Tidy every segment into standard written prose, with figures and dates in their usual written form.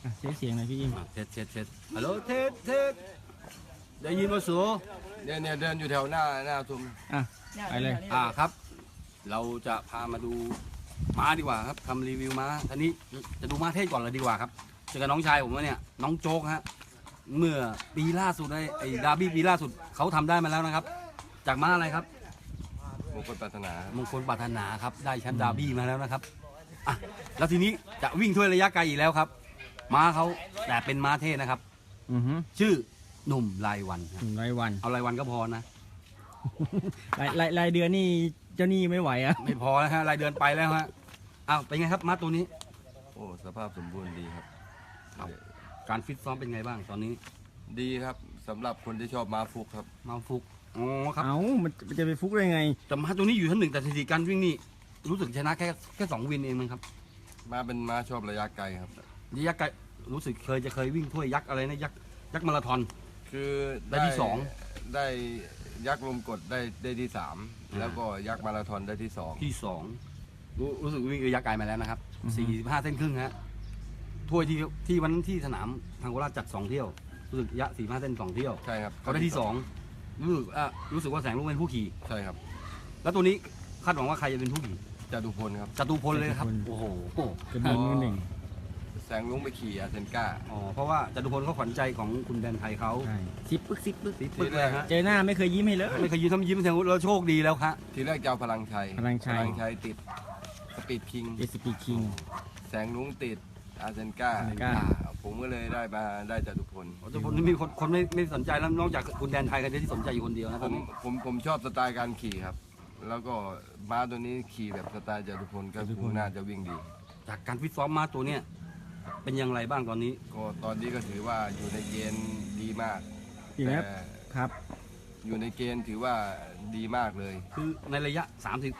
เสียงหน่อยพี่อิมเทสฮัลโหลเทสได้ยินมาสูเนี่ยเดินอยู่แถวหน้าซุ้มไปเลยครับ เราจะพามาดูม้าดีกว่าครับทำรีวิวม้าทีนี้จะดูม้าเทศก่อนเลยดีกว่าครับเจอกับน้องชายผมเนี่ยน้องโจ๊กฮะเมื่อปีล่าสุดไอ้ดาร์บี้ปีล่าสุดเขาทำได้มาแล้วนะครับ จากม้าอะไรครับมงคลปรารถนามงคลปรารถนาครับได้แชมป์ดาร์บี้มาแล้วนะครับอ่ะแล้วทีนี้จะวิ่งถ้วยระยะไกลอีกแล้วครับม้าเขาแต่เป็นม้าเทศนะครับ ชื่อหนุ่มรายวันครับรายวันเอารายวันก็พอนะรายเดือนนี่เจ้าหนี้ไม่ไหวอ่ะไม่พอแล้วฮะรายเดือนไปแล้วฮะอ้าวเป็นไงครับม้าตัวนี้โอ้สภาพสมบูรณ์ดีครับครับ การฟิตซ้อมเป็นไงบ้างตอนนี้ดีครับสำหรับคนที่ชอบม้าฟุกครับมาฟุกอ๋อครับมันจะไปฟุกได้ไงแต่ม้าตัวนี้อยู่ชั้นหนึ่งแต่สถิติการวิ่งนี่รู้สึกชนะแค่2 วินเองมั้งครับม้าเป็นม้าชอบระยะไกลครับระยะไกลรู้สึกเคยวิ่งถ้วยยักษ์อะไรนะยักษ์มาราธอนคือได้ที่สองได้ยักษ์ลมกดได้ที่ 3 แล้วก็ยักษ์มาราธอนได้ที่ 2 ที่2รู้สึกวิ่งระยะไกลมาแล้วนะครับ45 เส้นครึ่งฮะถ้วยที่วันนั้นที่สนามทางโคราชจัด2 เที่ยวรู้สึกระยะ45 เส้น2 เที่ยวใช่ครับเขาได้ที่2รู้สึกว่าแสงลุงเป็นผู้ขี่ใช่ครับแล้วตัวนี้คาดหวังว่าใครจะเป็นผู้ขี่จตุพลครับจตุพลเลยครับโอ้โหกระบี่มือหนึ่งแสงลุงไปขี่อาเซนก้าอ๋อเพราะว่าจตุพลเขาขวัญใจของคุณแดนไทยเขาใช่ซิปปึ๊กปึ๊กเลยฮะเจอหน้าไม่เคยยิ้มให้เลยไม่เคยยิ้มแสดงว่าเราโชคดีแล้วครับทีแรกจะเอาพลังชัยพลังชัยติดสปีดคิงเอสปีคิงแสงลุงติดอาเซนก้าอาเซนก้าผมก็เลยได้จตุพลจตุพลนี่มีคนไม่สนใจแล้วนอกจากคุณแดนไทยกันที่สนใจอยู่คนเดียวนะคผรับผมชอบสไตล์การขี่ครับ แล้วก็ม้าตัวนี้ขี่แบบสไตล์จตุพลก็คงน่าจะวิ่งดีจากการฟิตซ้อมม้าตัวเนี้ยเป็นอย่างไรบ้างตอนนี้ก็ตอนนี้ก็ถือว่าอยู่ในเกณฑ์ดีมากอีกแล้วแต่ครับอยู่ในเกณฑ์ถือว่าดีมากเลยคือในระยะ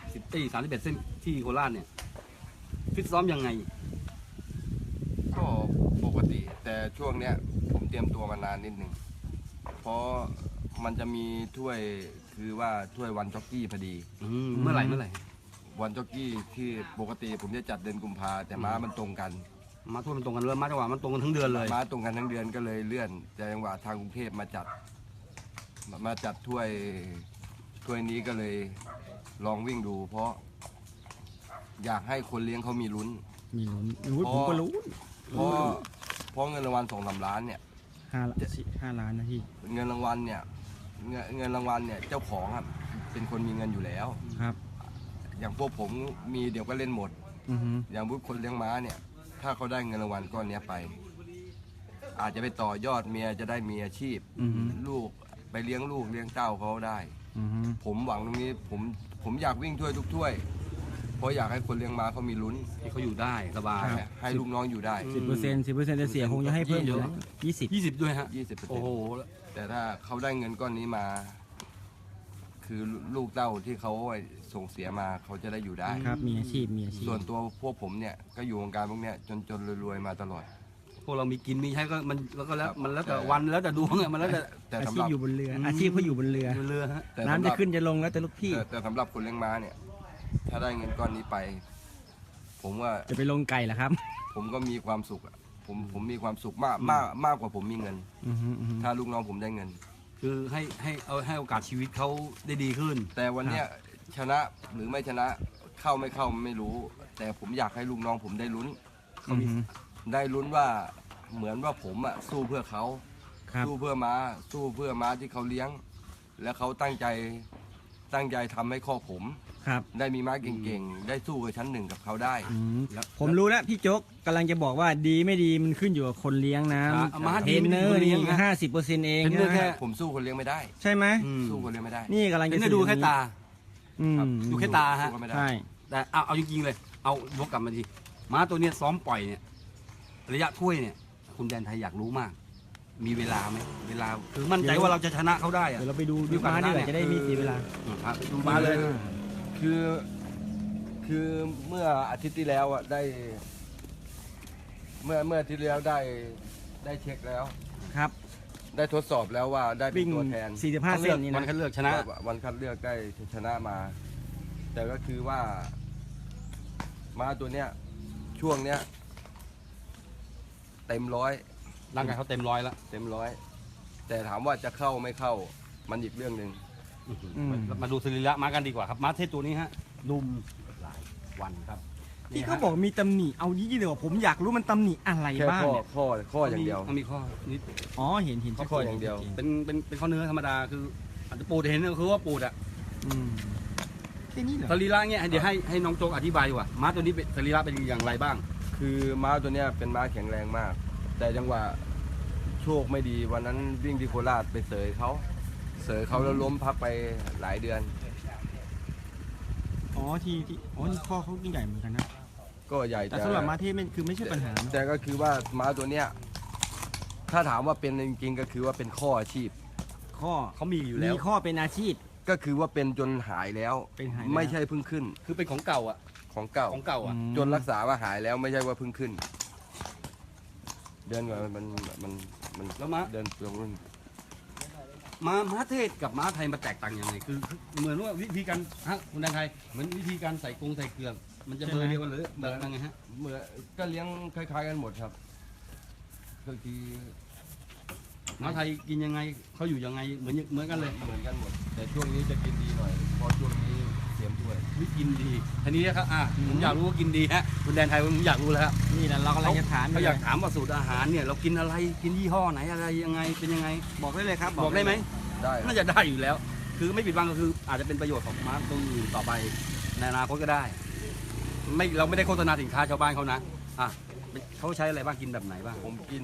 31 เส้นที่โคราชเนี่ยฟิตซ้อมยังไงก็ปกติ แต่ช่วงเนี้ยผมเตรียมตัวมานานนิดหนึ่งเพราะมันจะมีถ้วยคือว่าถ้วยวันจ็อกกี้พอดีเมื่อไหร่วันจ็อกกี้ที่ปกติผมจะจัดเดือนกุมภาแต่ม้ามันตรงกันมาทั่วมันตรงกันเลยมาจังหวะมันตรงกันทั้งเดือนเลยม้าตรงกันทั้งเดือนก็เลยเลื่อนแต่จังหวะทางกรุงเทพมาจัดถ้วยนี้ก็เลยลองวิ่งดู เพราะอยากให้คนเลี้ยงเขามีลุ้นมีลุ้นผมก็รู้เพราะเงินรางวัล2-3 ล้านเนี่ย 5 ล้านนะพี่เงินรางวัลเนี่ยเงินรางวัลเนี่ยเจ้าของครับเป็นคนมีเงินอยู่แล้วครับอย่างพวกผมมีเดี๋ยวก็เล่นหมดอือฮึอย่างพวกคนเลี้ยงม้าเนี่ย ถ้าเขาได้เงินรางวัลก้อนเนี้ยไป อาจจะไปต่อยอดเมียจะได้มีอาชีพอือฮึลูกไปเลี้ยงลูกเลี้ยงเต้าเขาได้อือฮึผมหวังตรงนี้ผมอยากวิ่งถ้วยทุกถ้วย เพราะอยากให้คนเลี้ยงม้าเขามีลุ้นที่เขาอยู่ได้สบายให้ลูกน้องอยู่ได้ 10%จะเสียคงจะให้เพิ่มอยู่นะ20 ด้วยฮะ 20% โอ้โหแต่ถ้าเขาได้เงินก้อนนี้มา คือลูกเต้าที่เขาส่งเสียมาเขาจะได้อยู่ได้ครับมีอาชีพส่วนตัวพวกผมเนี่ยก็อยู่วงการพวกเนี้ยจนรวยๆมาตลอดพวกเรามีกินมีใช้ก็มันแล้วก็แล้วครับมันแล้วแต่วันแล้วแต่ดวงอะมันแล้วแต่แต่อาสำชีหพรับอยู่บนเรืออาชีพเขาอยู่บนเรือเรือฮะแต่สำหน้ำรัจะบขึ้นจะลงแล้วแต่ลูกพี่แต่สำหรับคนเลี้ยงม้าเนี่ย ถ้าได้เงินก้อนนี้ไป ผมว่าจะไปลงไก่เหรอครับผมก็มีความสุขอะผมมีความสุขมากกว่าผมมีเงินอือฮึถ้าลูกน้องผมได้เงินคือให้โอกาสชีวิตเขาได้ดีขึ้นแต่วันเนี้ยชนะหรือไม่ชนะเข้าไม่เข้าไม่รู้ แต่ผมอยากให้ลูกน้องผมได้ลุ้นอือฮึได้ลุ้นว่าเหมือนว่าผมอะสู้เพื่อเขาครับสู้เพื่อม้าที่เขาเลี้ยง และเขาตั้งใจทำให้ข้อผมครับได้มีม้าเก่งๆ ได้สู้กับชั้นหนึ่งกับเขาได้อืมผมรู้แล้วพี่โจ๊กกำลังจะบอกว่าดีไม่ดีมันขึ้นอยู่กับคนเลี้ยงนะม้าเทดีรนไม่เนดีอคร์นเลี้นี่ยงนะ 50%เองเทรนเนอร์แค่ผมสู้คนเลี้ยงไม่ได้ใช่ไหมสู้คนเลี้ยงไม่ได้นี่กำลังเทรจะนเนอร์ดูแค่ตาอืมครับดูแค่ตาฮะสู้กันไม่ได้ใช่แต่เอาจริงๆเลย เอายกกลับมาทีม้าตัวเนี้ยซ้อมปล่อยเนี่ยระยะถ้วยเนี่ย คุณแดนไทยอยากรู้มาก มีเวลาไหมเวลาคือมั่นใจว่าเราจะชนะเขาได้อะเดี๋ยวเราไปดูดูดูกันม้าดีกนะว่าจะได้ไมีเสียเวลาครับดูมาเลยคือเมื่ออาทิตย์ที่แล้วอะได้เมื่ออาทิตย์ที่แล้วได้เช็คแล้วครับได้ทดสอบแล้วว่าได้เป็วิ่นงตัวแทน 45 เส้นนี่วันนะคัดเลือกชนะวันคัดเลือกได้ชนะมา แต่ก็คือว่าม้าตัวเนี้ยช่วงเนี้ยเต็มร้อยร่างกายเขาเต็มร้อยแล้วเต็มร้อยแต่ถามว่าจะเข้าไม่เข้ามันอีกเรื่องหนึ่งมาดูสรีระม้ากันดีกว่าครับม้าเทศตัวนี้ฮะดุมหลายวันครับที่เขาบอกมีตำหนิเอายี่เดียวผมอยากรู้มันตำหนิอะไรแค่บ้างข้อเนี่ยข้ออย่างเดียวมันมีข้อนิดอ๋อเห็นชัดข้อจนอย่างเดียวเป็นข้อเนื้อธรรมดาคืออาจจะปูดเห็นก็คือว่าปูดอะอืมแค่นี้เหรอสรีระเนี่ยเดี๋ยวให้น้องโจ๊กอธิบายดีกว่าม้าตัวนี้เป็นสรีระเป็นอย่างไรบ้างคือม้าตัวเนี้ยเป็นม้าแข็งแรงมาก แต่จังหวะโชคไม่ดีวันนั้นวิ่งที่โคราชไปเสยเขาแล้วล้มพักไปหลายเดือนอ๋อที่อ๋อนี่ข้อเขาใหญ่เหมือนกันนะก็ใหญ่แต่สำหรับมาเทศมันคือไม่ใช่ปัญหานะแต่ก็คือว่าม้าตัวเนี้ยถ้าถามว่าเป็นจริงๆก็คือว่าเป็นข้ออาชีพข้อเขามีอยู่แล้วมีข้อเป็นอาชีพก็คือว่าเป็นจนหายแล้วเป็นหายแล้วไม่ใช่เพิ่งขึ้นคือเป็นของเก่าอะของเก่าของเก่าอะจนรักษาว่าหายแล้วไม่ใช่ว่าเพิ่งขึ้น เดินก่อนมันแล้วม้าเดินตรงนู้นม้าเทศกับม้าไทยมาแตกต่างยังไงคือเหมือนว่าวิธีการฮะคุณแดนไทยเหมือนวิธีการใส่กรงใส่เกลือมันจะเบอร์เดียวกันหรือแบบยังไงฮะเหมือนก็เลี้ยงคล้ายๆกันหมดครับก็คือม้าไทยกินยังไงเขาอยู่ยังไงเหมือนกันเลยเหมือนกันหมด แต่ช่วงนี้จะกินดีหน่อยเพราะช่วงนี้เตรียมถ้วยวิกินดีทีนี้นะครับผมอยากรู้ว่ากินดีฮะคุณแดนไทยผมอยากรู้แล้วฮะนี่แหละเรากำลังจะถามเขาอยากถามว่าสูตรอาหารเนี่ยเรากินอะไรกินยี่ห้อไหนอะไรยังไงเป็นยังไงบอกได้เลยครับบอกได้ไหมได้น่าจะได้อยู่แล้ว คือไม่ปิดบังก็คืออาจจะเป็นประโยชน์ของม้าตัวอื่นต่อไปในอนาคตก็ได้เราไม่ได้โฆษณาสินค้าชาวบ้านเขานะเขาใช้อะไรบ้างกินแบบไหนบ้างผมกิน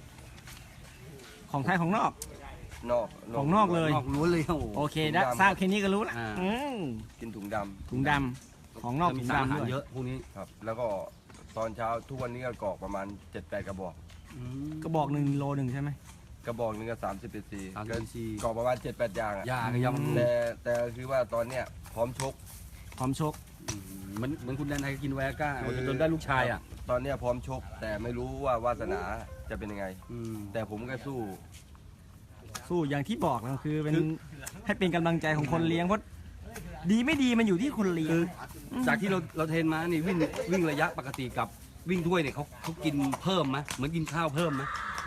ของไทยของนอกนอกของนอกเลยนอกล้วนเลยโอ้โหโอเคได้ทราบแค่นี้ก็รู้ละอ่ากินถุงดำถุงดำของนอกจะมีถุงสารอาดำหารด้วยเยอะพวกนี้ครับ แล้วก็ตอนเช้าทุกวันนี้ก็กรอกประมาณ 7-8 กระบอกกระบอก1 โลใช่ไหมกระบอกหนึงก็30 cc 30 cc กรอกประมาณ 7-8 อย่างอะยาก็ยังแต่คือว่าตอนเนี้ยพร้อมชกพร้อมชกเหมือนคุณแดนไทยกินไวอาก้าจนได้ลูกชายอ่ะตอนเนี้ยพร้อมชก แต่ไม่รู้ว่าวาสนาจะเป็นยังไงอืมแต่ผมก็สู้สู้อย่างที่บอกนะคือเป็นคือให้เป็นกำลังใจของคนเลี้ยงเพราะดีไม่ดีมันอยู่ที่คนเลี้ยงคือจากที่เราเทรนมานี่วิ่งระยะปกติกับวิ่งด้วยเนี่ยเขากินเพิ่มไหมเหมือนกินข้าวเพิ่มไหม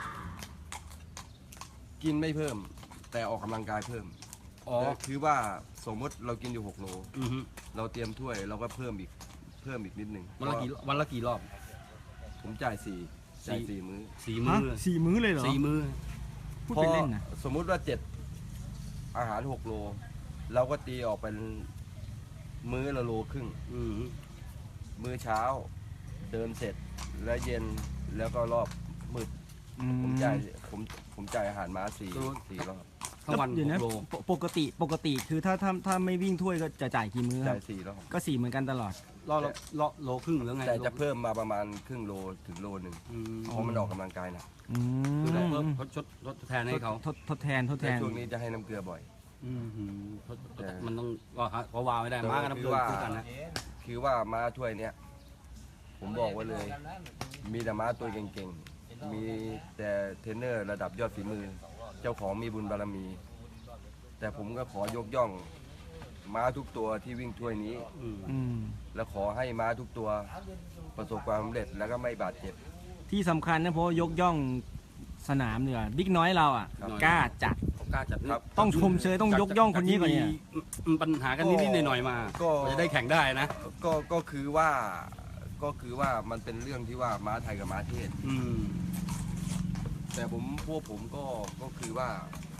กินไม่เพิ่ม แต่ออกกำลังกายเพิ่มอ๋อแต่คือว่าสมมติเรากินอยู่6 โลอือฮึเราเตรียมถ้วยเราก็เพิ่มอีกนิดนึงวันละกี่รอบผมจ่ายจ่ายสี่ 4 มื้อสี่ฮะมื้อ 4 มื้อเลยเหรอสี่มื้อพูดไปเล่นนะพอสมมุติว่า7อาหาร6 โล เราก็ตีออกเป็นมื้อละโลครึ่งอือฮึมื้อเช้าเดินเสร็จแล้วเย็นแล้วก็รอบมืดอืมผมจ่ายอาหารม้า4 รอบทั้งวันเดี๋ยวนะ 6 โลปกติคือถ้าไม่วิ่งถ้วยก็จะจ่ายกี่มื้อคจ่ารัยบ 4 รอบก็4เหมือนกันตลอดรอบโลครึ่งหรือไงแต่จะเพิ่มมาประมาณครึ่งโลถึงโลหนึ่งอืมเพราะมันออกกำลังกายหนะอืคือเรามเพิ่มทดแทนให้เขาทดแทนแต่ช่วงนี้จะให้น้ำเกลือบ่อยอืมหือมันต้องก็ฮะเพราะวาวไม่ได้มากันน้ำเกลือคู่กันนะคือว่าม้าถ้วยเนี้ยผมบอกไว้เลย มีแต่ม้าตัวเก่งๆ มีแต่เทรนเนอร์ระดับยอดฝีมือ เจ้าของมีบุญบารมี แต่ผมก็ขอยกย่องม้าทุกตัวที่วิ่งถ้วยนี้อืมอืมและขอให้ม้าทุกตัวประสบความสำเร็จแล้วก็ไม่บาดเจ็บที่สำคัญนะเพราะยกย่องสนามเนี่ยบิ๊กน้อยเราอ่ะครับกล้าจัดเขากล้าจัดครับต้องชมเชยต้องยกย่องคนนี้ก่อนเนี่ยมีปัญหากันนิดๆหน่อยๆมาก็จะได้แข่งได้นะก็คือว่ามันเป็นเรื่องที่ว่าม้าไทยกับม้าเทศอืมแต่พวกผมก็คือว่า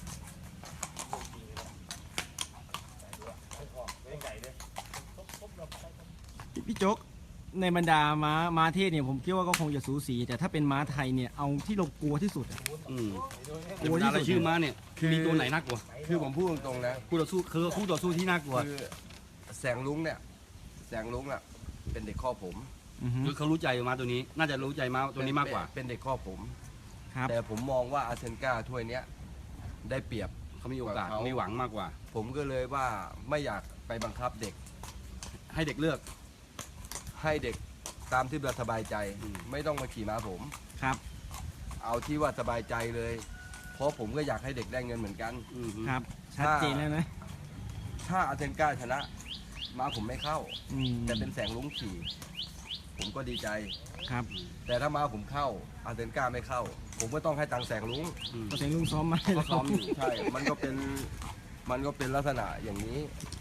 พี่โจ๊กในบรรดาม้าเทศเนี่ยผมคิดว่าก็คงจะสูสีแต่ถ้าเป็นม้าไทยเนี่ยเอาที่เรากลัวที่สุดอะอืมโอ้ยที่สุดรายชื่อม้าเนี่ยคือมีตัวไหนน่ากลัวคือผมพูดตรงๆนะคู่ต่อสู้คือคู่ต่อสู้ที่น่ากลัวคือแสงลุงเนี่ยแสงลุงน่ะเป็นเด็กข้อผมอือฮึคือเขารู้ใจม้าตัวนี้ น่าจะรู้ใจม้าตัวนี้มากกว่าเป็นเด็กข้อผมครับแต่ผมมองว่าอาเซนกาถ้วยเนี้ยได้เปรียบเขามีโอกาสเขามีมีหวังมากกว่าผมก็เลยว่าไม่อยากไปบังคับเด็กให้เด็กเลือกให้เด็กตามที่เราสบายใจอืมไม่ต้องมาขี่ม้าผมครับเอาที่ว่าสบายใจเลย เพราะผมก็อยากให้เด็กได้เงินเหมือนกันอืมครับชัดเจนแล้วนะถ้าอาเซนกาชนะม้าผมไม่เข้าอืมแต่เป็นแสงลุงขี่ ผผมก็ดีใจครับแต่ถ้าม้าผมเข้าอาเซนก้าไม่เข้า ผมก็ต้องให้ตังค์แสงลุงก็เสียงลุงซ้อมมาให้ก็เราซ้อมอยู่ใช่ มันก็เป็นลักษณะอย่างนี้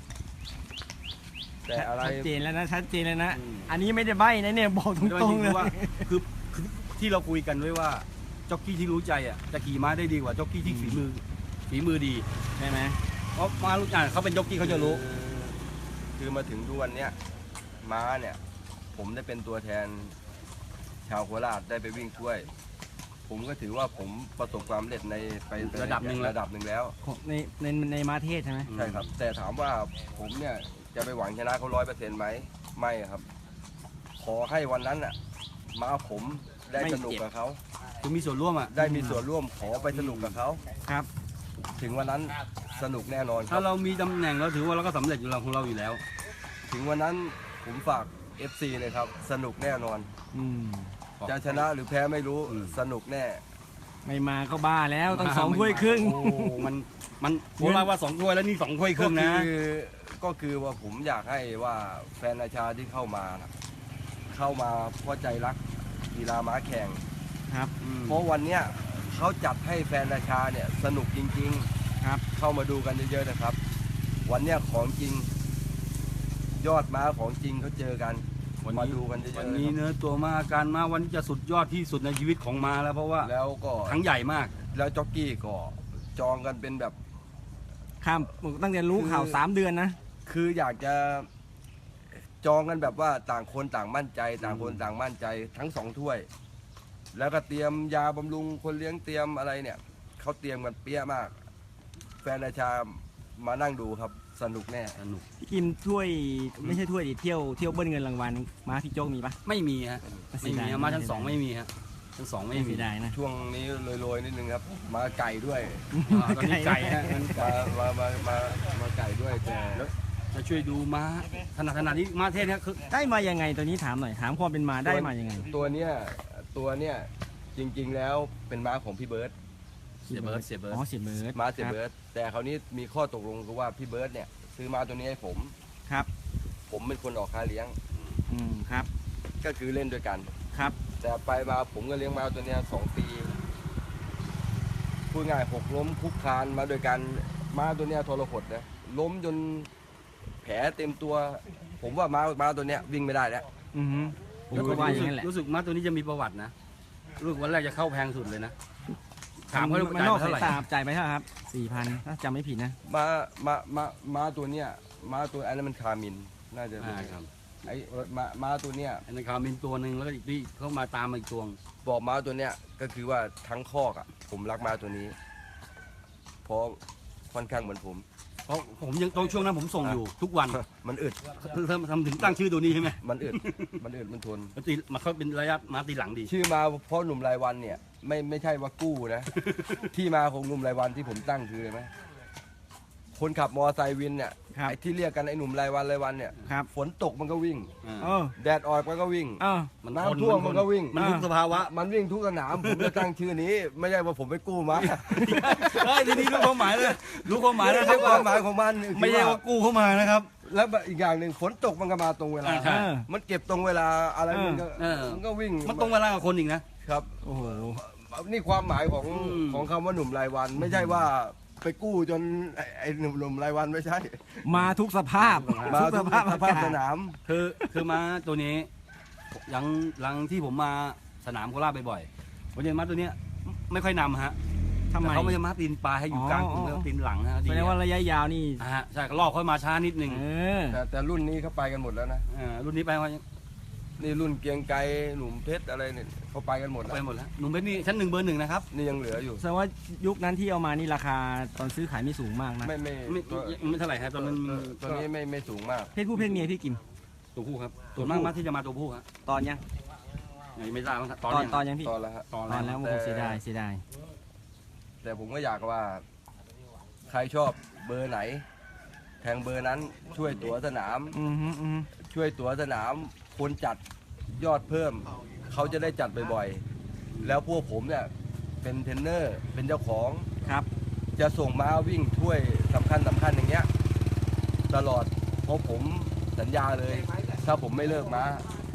แต่อะไรชัดเจนแล้วนะชัดเจนแล้วนะอืมอันนี้ไม่ได้ใบ้นะเนี่ยบอกตรงๆเลยว่าคือที่เราคุยกันไว้ว่าจ็อกกี้ที่รู้ใจอ่ะจะขี่ม้าได้ดีกว่าจ็อกกี้ที่ฝีมือดีใช่ไหมเพราะม้ารู้จักเขาเป็นจ็อกกี้เขาจะรู้คือมาถึงทุกวันเนี้ยม้าเนี่ย ผมได้เป็นตัวแทนชาวโคราชได้ไปวิ่งช่วย ผมก็ถือว่าผมประสบความสำเร็จในไประดับหนึ่งแล้วของในมาเทศใช่ไหมใช่ครับ แต่ถามว่าผมเนี่ยจะไปหวังชนะเขา100%ไหมไม่ครับ ขอให้วันนั้นอ่ะม้าผมได้สนุกกับเขาคือมีส่วนร่วมอ่ะได้มีส่วนร่วมขอไปสนุกกับเขาครับถึงวันนั้นสนุกแน่นอนคถ้ารับเรามีตำแหน่งเราถือว่าเราก็สำเร็จอยู่แล้วของเราอยู่แล้วถึงวันนั้นผมฝาก FC เลยครับ สนุกแน่นอนอืมจะชนะหรือแพ้ไม่รู้อืมสนุกแน่ไม่มาก็บ้าแล้วต้อง2 ถ้วยครึ่งโอ้มันผมว่า2 ถ้วยแล้วนี่2 ถ้วยครึ่งนะก็คือว่าผมอยากให้ว่าแฟนอาชาที่เข้ามานะเข้ามาเพราะใจรักกีฬาม้าแข่งครับเพราะวันเนี้ยเขาจัดให้แฟนอาชาเนี่ยสนุกจริงครับๆ เข้ามาดูกันเยอะๆนะครับ วันเนี้ยของจริง ยอดม้าของจริงเขาเจอกันวันมานี้ดูกันเยอะๆวันนะนี้ครับเนื้อตัวมาอาการมาวันนี้จะสุดยอดที่สุดในชีวิตของมาแล้วเพราะว่าแล้วก็ทั้งใหญ่มากแล้วจ็อกกี้ก็จองกันเป็นแบบข้ามตั้งแต่รู้ข่าวคือ 3 เดือนนะคืออยากจะจองกันแบบว่าต่างคนต่างมั่นใจ ต่างคนต่างมั่นใจทั้ง2 ถ้วย แล้วก็เตรียมยาบำรุงคนเลี้ยงเตรียมอะไรเนี่ยเขาเตรียมกันเปี้ยมาก แฟนอาชามานั่งดูครับสนุกแน่สนุกพี่กิมถ้วยไม่ใช่ถ้วยดิเที่ยวเบิ้ลเงินรางวัลมาพี่โจ๊กมีปะไม่มีฮะเสีไม่ยมีดายฮะมาชั้น 2ไม่มีฮะชั้น 2ไม่มีเสียดายนะช่วงนี้โรยๆนิดนึงครับ มาไก่ด้วยตอนนี้ไก่ฮะมาไก่ด้วยแต่จะช่วยดูม้าขนาดนี้ม้าเทศเนี่ยคือได้มายังไงตัวนี้ถามหน่อยถามความเป็นมาได้มายังไงตัวเนี้ยจริงๆแล้วเป็นม้าของพี่เบิร์ตเสียเบิร์ดเสียเบิร์ดอ๋อเสียเบิร์ดม้าเสียเบิร์ตแต่คราวนี้มีข้อตกลงคือว่าพี่เบิร์ตเนี่ยซื้อม้าตัวนี้ให้ผมครับผมเป็นคนออกค่าเลี้ยงครับก็คือเล่นด้วยกันครับแต่ไปมาผมก็เลี้ยงม้าตัวเนี้ย2 ปีพูดง่าย6 ล้มคุกคานมาด้วยกันม้าตัวเนี้ยทรหดนะล้มจนแผลเต็มตัว ผมว่าม้าตัวเนี้ยวิ่งไม่ได้แล้วอือฮึผมก็ว่าอย่างนั้นแหละรู้สึกม้าตัวนี้จะมีประวัตินะรู้สึกวันแรกจะเข้าแพงสุดเลยนะถามเขามันจ่ายนอกไปสาเท่าย ไหร่ตาจ่ายไปเท่าไหร่ครับ 4,000ถ้าจำไม่ผิดนะม้าตัวเนี้ยม้าตัวอันนั้นมันคามินน่าจะเป็นครับไอ้ม้าตัวเนี้ยอันนั้นคามินตัวหนึ่งแล้วก็อีกที่เข้ามาตามมาอีกตัวบอกม้าตัวเนี้ยก็คือว่าทั้งคอกอ่ะผมรักม้าตัวนี้ เพราะค่อนข้างเหมือนผมเพราะผมยังตอนช่วงนั้นผมส่งอยู่ทุกวันมันอึดทำถึงตั้งชื่อตัวนี้ใช่ไหมมันอึดมันทนมันตีมาเขาเป็นระยะม้าตีหลังดีชื่อมาเพราะหนุ่มรายวันเนี่ยไม่ใช่ว่ากู้นะ ที่มาของหนุ่มรายวันที่ผมตั้งคืออะไรไหมคนขับมอไซค์วินเนี่ยครับไอ้ที่เรียกกันไอ้หนุ่มรายวันเนี่ยครับฝนตกมันก็วิ่งเออแดดออกมันก็วิ่งเออมันน้ำท่วมมันก็วิ่งมันทุกสภาวะมันวิ่งทุกสนาม ผมจะตั้งชื่อนี้ ไม่ใช่ว่าผมไปกู้มาเฮ้ยทีนี้รู้ความหมายเลยรู้ความหมายแล้วไม่ใช่ความหมายของมันไม่ใช่ว่ากู้เข้ามานะครับแล้วอีกอย่างหนึ่งฝนตกมันก็มาตรงเวลาใช่มันเก็บตรงเวลาอะไรมันก็เออมันก็วิ่งมันตรงเวลากับคนอีกนะครับโอ้โหนี่ความหมายของอืมของคำว่าหนุ่มรายวัน ไม่ใช่ว่าไปกู้จนไอ้หนุ่มรายวันไม่ใช่มาทุกสภาพมาทุกทุสกภาพสอาภาพกาสศนามคือม้าตัวนี้หลังที่ผมมาสนามโคราชบ่อยๆผมเห็นม้าตัวเนี้ยไม่ค่อยนำฮะทำไมแต่เขาไม่จะม้าตีนปลายให้อยู่กลางอ๋อแล้วตีนหลังฮะแสดงว่าระยะยาวนี่ฮะใช่ก็ลอกเขามาช้านิดนึงเออแต่รุ่นนี้เขาไปกันหมดแล้วนะรุ่นนี้ไปว่านี่รุ่นเกรียงไกรหนุ่มเพชรอะไรเนี่ยเขาไปกันหมดแล้วไปหมดแล้วหนุ่มเป็นนี่ชั้น1 เบอร์ 1นะครับนี่ยังเหลืออยู่แสดงว่ายุคนั้นที่เอามานี่ราคาตอนซื้อขายไม่สูงมากนะไม่ไม่เท่าไหร่ครับตอนนั้นตัวนี้ไม่สูงมากเพศผู้เพศเมียพี่กิมตัวผู้ครับส่วนมากม้าที่จะมาตัวผู้ครับตอนยังยังไม่ทราบว่าตตออน นเนี้ยตอนยังพี่ตอนแล้วฮะตอนตอนแล้แล้ว วโอ้โหเสียดายเสียดายแต่ผมก็อยากว่า ใครชอบเบอร์ไหน แทงเบอร์นั้นช่วยตั๋วสนามอืมฮึอืมฮึช่วยตั๋วสนามคนจัดยอดเพิ่ม เขาจะได้จัดบ่อยๆ แล้วพวกผมเนี่ยเป็นเทรนเนอร์เป็นเจ้าของครับจะส่งม้าวิ่งถ้วยสำคัญอย่างเงี้ยตลอดเพราะผมสัญญาเลย ถ้าผมไม่เลิกม้า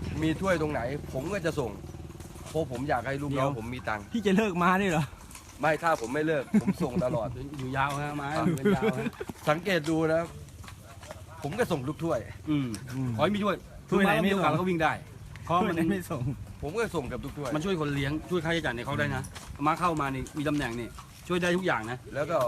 มีถ้วยตรงไหน ผมก็จะส่งเพราะผมอยากให้ลูกน้องผมมีตังค์พี่จะเลิกมาด้วยเหรอไม่ถ้าผมไม่เลิก ผมส่งตลอดอยู่ยาวฮะไม้เป็นยาวฮะสังเกตดูนะ ผมก็ส่งทุกถ้วยอืมขอให้มีช่วยถ้วยไหนไม่มีโอกาสส่งเราก็วิ่งได้เพราะมัมันนไม่ส่งผมก็ส่งกับทุกถ้วยมันช่วยคนเลี้ยงช่วยค่าใช้จ่ายในเขาได้นะมาเข้ามานี่มีตำแหน่งนี่ช่วยได้ทุกอย่างนะแล้วก็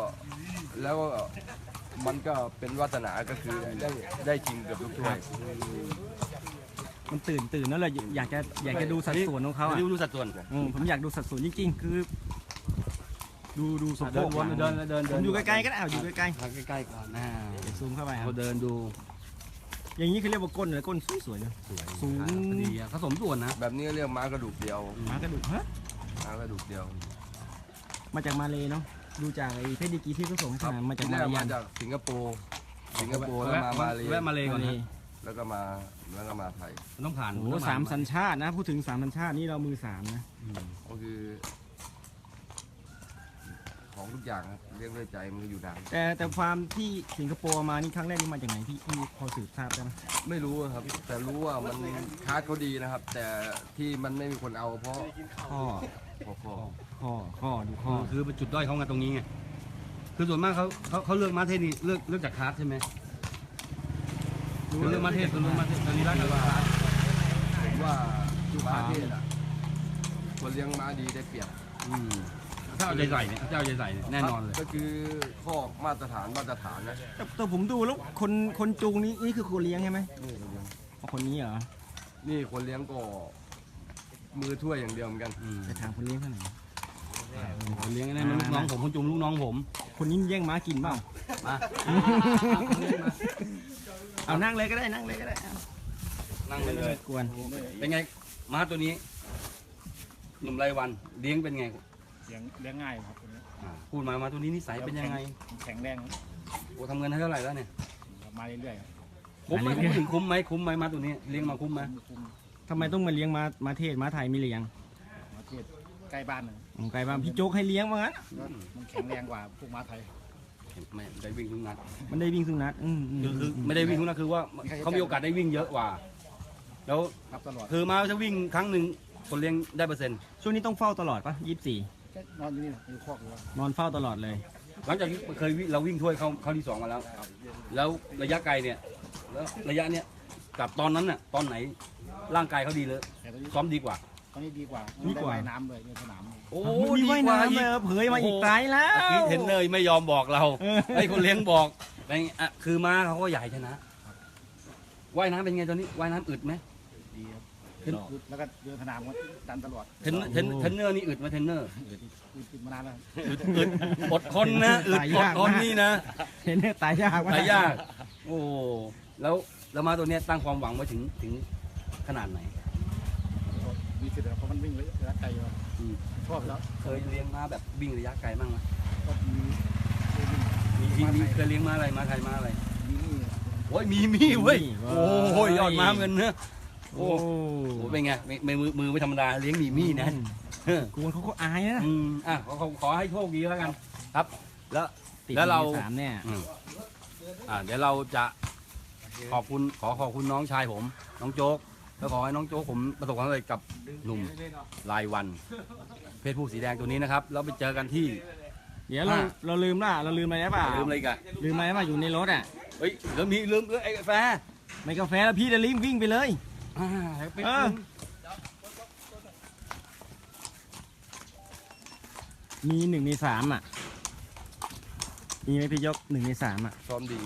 มันก็เป็นวาสนาก็คือได้ชิงกับทุกถ้วยมันตื่นแล้วเลยอยากจะดูสัดส่วนของเขาอ่ะดูสัดส่วนผมอยากดูสัดส่วนจริงๆ คือ ดูสมเดิบูนรณ์เดินผมอยู่ใกล้ๆก็ได้อยู่ใกล้ใกล้ๆก่อนนะๆเดี๋ยวซูมเข้าไปครับเราเดินดูอย่างนี้เขาเรียกว่าก้นเลยก้นสวยๆเลยสูงดีอะผสมส่วนนะแบบนี้เรียกม้ากระดูกเดียวหมากระดูกฮะม้ากระดูกเดียวมาจากมาเลยเนาะดูจากไอ้เพชรดีกรีที่เขาส่งให้ทหารมาจากที่มาแรกเลยมาจากสิงคโปร์แล้วมาเลแวะมาเลยก่อนนะแล้วก็มาไทยมันต้องผ่านโอ้โห3 สัญชาตินะ พูดถึง3 สัญชาตินี่เรามือ3นะก็คือ ของทุกอย่างครับเรียกด้วยใจมันก็อยู่นานแต่ฟาร์มที่สิงคโปร์มานี่ครั้งแรกนี่มาจากไหนพี่พอสืบทราบได้ไหมไม่รู้อะครับ แต่รู้ว่ามันคาร์ดเขาดีนะครับ แต่ที่มันไม่มีคนเอาเพราะข้อข้อดูข้อคือเป็นจุดด้อยเขาไงตรงนี้ไงคือส่วนมากเขาเลือกมาเทศนี่เลือกจากคลาสใช่ไหมเลือกมาเทศตอนนี้รักกันว่าผมว่าม้าเทศอะคนเลี้ยงม้าดีได้เปรียบถ้าเอาใจใส่เนี่ยถ้าเอาใจใส่เนี่ยแน่นอนเลยก็คือข้อมาตรฐานนะแต่ผมดูแล้วคนจูงนี่คือคนเลี้ยงใช่ไหมนี่คนเลี้ยงอ๋อคนนี้เหรอนี่คนเลี้ยงก็มือถ้วยอย่างเดียวเหมือนกันจะถามคนเลี้ยงเท่าไหร่ผมเลี้ยงนั่นมันลูกน้องผมคนจุงลูกน้องผมคนนี้แย่งม้ากินเปล่ามาเอานั่งเลยก็ได้นั่งเลยก็ได้นั่งไปเลยกวนเป็นไงม้าตัวนี้หนุ่มรายวันเลี้ยงเป็นไงเลี้ยงง่ายครับตัวนี้พูดมาตัวนี้นิสัยเป็นยังไงแข็งแรงโอ้ทำเงินให้เท่าไหร่แล้วเนี่ยมาเรื่อยๆครับคุ้มไหมพูดถึงคุ้มไหมม้าตัวนี้เลี้ยงมาคุ้มไหมคุมทำไมต้องมาเลี้ยงม้าเทศม้าไทยไม่เลี้ยงมาเทศใกล้บ้านนะผมไกลบ้างพี่โจ๊กให้เลี้ยงว่างั้นก็มันแข็งแรงกว่าพวกม้าไทยไม่ได้วิ่งทุกนัดมันได้วิ่งสุนัขคือไม่ได้วิ่งทุกนัดคือว่าเขามีโอกาสได้วิ่งเยอะกว่า แล้วรับตลอดคือม้าจะวิ่งครั้งหนึ่งคนเลี้ยงได้เปอร์เซ็นต์ช่วงนี้ต้องเฝ้าตลอดปะ24 แค่นอนอยู่นี่อยู่คอกอยู่ว่านอนเฝ้าตลอดเลยหลังจากที่เคยเราวิ่งถ้วยเข้าที่ 2มาแล้ว แล้วระยะไกลเนี่ยแล้วระยะเนี้ยกับตอนนั้นน่ะตอนไหนร่างกายเขาดีเลยแต่ตอนนี้ซ้อมดีกว่าตอนนี้ดีกว่าดีกว่าได้ว่ายน้ำเลยในสนามโอ้มีว่ายน้ำเลยเผยมาอีกไกลแล้วเมื่อกี้เทรนเนอร์ไม่ยอมบอกเราให้คนเลี้ยงบอกแต่คือม้าเขาก็ใหญ่ชนะว่ายน้ำเป็นไงตอนนี้ว่ายน้ำอึดไหมดีครับเห็นแล้วก็เดินสนามก็ดันตลอดเทรนเนอร์นี่อึดไหมเทรนเนอร์ติดมานานแล้วอึดอดทนนะอึดอดทนนี่นะเห็นเนี่ยตายยากมากหลายยากโอ้แล้วม้าตัวเนี้ยตั้งความหวังไว้ถึงขนาดไหนมีสิทธิ์ครับเพราะมันวิ่งระยะไกลอยู่ชอบแล้วเคยเลี้ยงม้าแบบวิ่งระยะไกลบ้างไหมก็มีมีเคยเลี้ยงม้าอะไรม้าไทยม้าอะไรมีนี่โอ้ยมีเว้ยโอ้ยยอดม้าเงินเนอะโอ้โอ้เป็นไงมือไม่ธรรมดาเลี้ยงมีนะกูเขาก็อายนะขอให้โชคดีแล้วกันครับ แล้วติดแล้วเราอยู่ใน3เนี่ยเดี๋ยวเราจะขอบคุณน้องชายผมน้องโจ๊กแล้วขอให้น้องโจ๊กผมประสบความสำเร็จกับหนุ่มรายวัน เพศผู้สีแดงตัวนี้นะครับแล้วไปเจอกันที่เดี๋ยวเราลืมอะไรได้เปล่าลืมอะไรอีกันลืมอะไรได้เปล่าอยู่ในรถอ่ะเฮ้ยลืมไอ้แฟร์ไม่กาแฟแล้วพี่จะรีบวิ่งไปเลยไปมี1 ใน 3อ่ะมีไหมพี่ยก1 ใน 3อ่ะซ้อมดี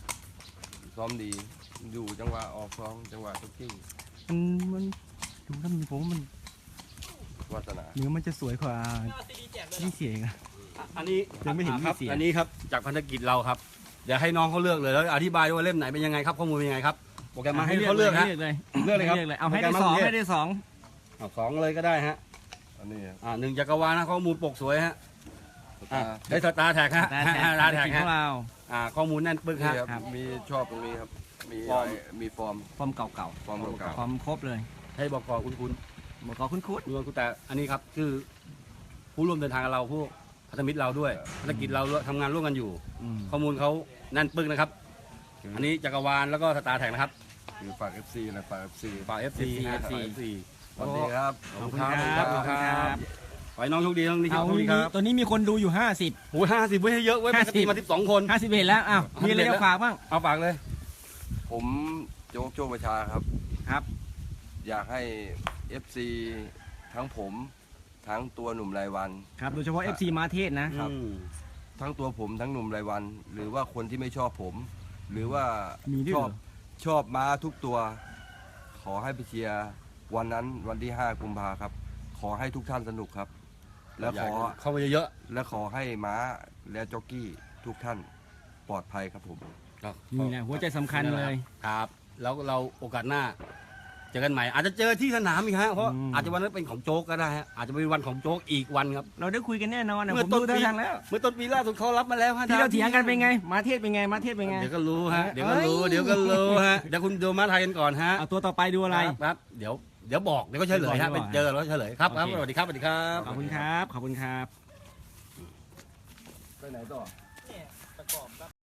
อยู่จังหวะออกซ้อมจังหวะทุกที่มันดูแล้วผมว่ามันวาสนาเนื้อมันจะสวยกว่าที่เสียงอ่ะอันนี้ยังไม่เห็นครับมีเสียงอันนี้ครับจากพันธกิจเราครับเดี๋ยวให้น้องเขาเลือกเลยแล้วอธิบายว่าเล่มไหนเป็นยังไงครับข้อมูลเป็นยังไงครับโปรแกรมมาให้เขาเลือกฮะเลยเลือกเลยครับเอาให้ได้สองให้ได้สองเอาสองเลยก็ได้ฮะอันนี้ครับ 1จักรวาลนะข้อมูลปกสวยฮะได้สตาร์แท็กฮะแต่สตาร์แท็กขฮะองเราข้อมูลแน่นปึกนี่ฮะครับมีชอบตรงนี้ครับ มีฟอร์มมีฟอร์มฟอร์มเก่าฟอร์มเก่าๆฟอร์มครบเลยให้บอกกอคุณบอกขอคุ้นดูคุณแต่อันนี้ครับคือผู้ร่วมเดินทางกับเราผู้พันธมิตรเราด้วยภารกิจเราทำงานร่วมกันอยู่ๆข้อมูลเขาแน่นปึกนะครับ อันนี้จักรวาลแล้วก็สตาร์แท็กนะครับคือฝาก FC นะฝาก FC ฝาก FC ฮะฝาก FC สวัสดีครับขอบคุณครับขอบคุณครับขอให้น้องโชคดีน้องนี่ครับเอาขอบคุณครับตัวนี้มีคนดูอยู่โอ้ย50ไว้ให้เยอะไว้ปกติมา12 คน 50 51แล้วอ้าวมีอะไรจะฝากบ้างเอาฝากเลยผมโจ๊กโจประชาครับครับอยากให้ FC ทั้งผมทั้งตัวหนุ่มรายวันครับโดยเฉพาะ FC มาเทศนะครับ ทั้งตัวผมทั้งหนุ่มรายวัน หรือว่าคนที่ไม่ชอบผม หรือว่ามีด้วยชเหรอบ ชอบม้าทุกตัว ขอให้ไปเชียร์วันนั้นวันที่ 5 กุมภาครับ ขอให้ทุกท่านสนุกครับ และขอเข้ามาเยอะและขอให้ม้าและจ็อกกี้ทุกท่านปลอดภัยครับผมๆนี่แหละหัวใจสำคัญเลยครับ แล้วเราโอกาสหน้าเจอกันใหม่ อาจจะเจอที่สนามอีกฮะเพราะอืมอาจจะวันนั้นเป็นของโจ๊กก็ได้ฮะอาจจะเป็นวันของโจ๊กอีกวันครับเราได้คุยกันแน่นอนนะเมื่ผอมต้นดูท่าปีทางแล้วเมื่อต้นปีล่าสุดเขารับมาแล้วฮะที่เราเถียงกันเป็นไง มาเทศเป็นไง มาเทศเป็นไงเดี๋ยวก็รู้ฮะเอ้ยเดี๋ยวก็รู้เดี๋ยวก็รู้ฮะเดี๋ยวคุณดูมาไทยกันก่อนฮะเอาตัวต่อไปดูอะไรครับเดี๋ยวบอกเดี๋ยวก็เฉลยฮะเดี๋ไปยวบอกเจอแล้วเฉลยครับโอเคครับสวัสดีครับสวัสดีครับขอบคุณครับ ขอบคุณครับไปไหนต่อ